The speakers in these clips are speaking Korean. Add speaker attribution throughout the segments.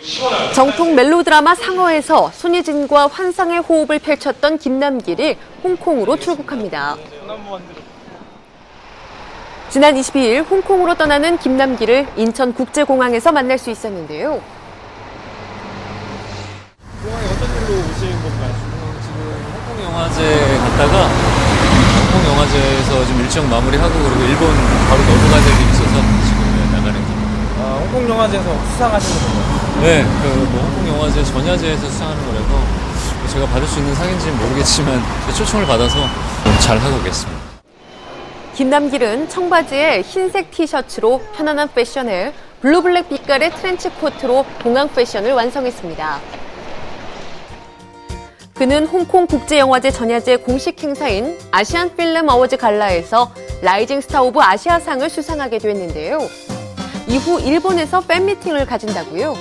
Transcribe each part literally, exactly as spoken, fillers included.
Speaker 1: 정통 멜로드라마 상어에서 손예진과 환상의 호흡을 펼쳤던 김남길이 홍콩으로 출국합니다. 지난 이십이일 홍콩으로 떠나는 김남길을 인천국제공항에서 만날 수 있었는데요.
Speaker 2: 공항에 어떤 일로 오신 건가요?
Speaker 3: 지금 홍콩 영화제 갔다가 홍콩 영화제에서 좀 일정 마무리하고 그리고 일본 바로 넘어가야 될 일이 있어서 지금 나가는 길.
Speaker 2: 아, 홍콩 영화제에서 수상하시는 건가요?
Speaker 3: 네, 그 뭐 홍콩 영화제 전야제에서 수상하는 거라서 제가 받을 수 있는 상인지는 모르겠지만 초청을 받아서 잘 하고 오겠습니다.
Speaker 1: 김남길은 청바지에 흰색 티셔츠로 편안한 패션에 블루블랙 빛깔의 트렌치 코트로 동양 패션을 완성했습니다. 그는 홍콩 국제영화제 전야제 공식 행사인 아시안 필름 어워즈 갈라에서 라이징 스타 오브 아시아상을 수상하게 됐는데요. 이후 일본에서 팬미팅을 가진다고요.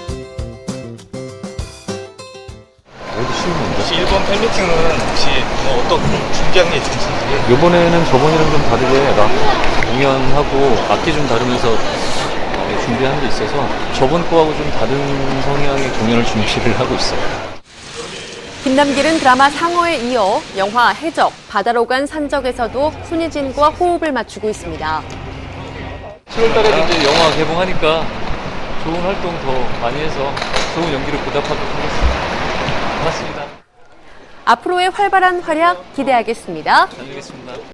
Speaker 4: 혹시 일본 팬미팅은 혹시 뭐 어떤 준비한 게 있으신지?
Speaker 3: 이번에는 저번이랑 좀 다르게 락 공연하고 악기 좀 다루면서 준비한 게 있어서 저번 거하고 좀 다른 성향의 공연을 준비를 하고 있어요.
Speaker 1: 김남길은 드라마 상어에 이어 영화 해적, 바다로 간 산적에서도 손예진과 호흡을 맞추고 있습니다.
Speaker 3: 칠월 달에 이제 영화 개봉하니까 좋은 활동 더 많이 해서 좋은 연기를 보답하도록 하겠습니다. 고맙습니다.
Speaker 1: 앞으로의 활발한 활약 기대하겠습니다.
Speaker 3: 잘 되겠습니다.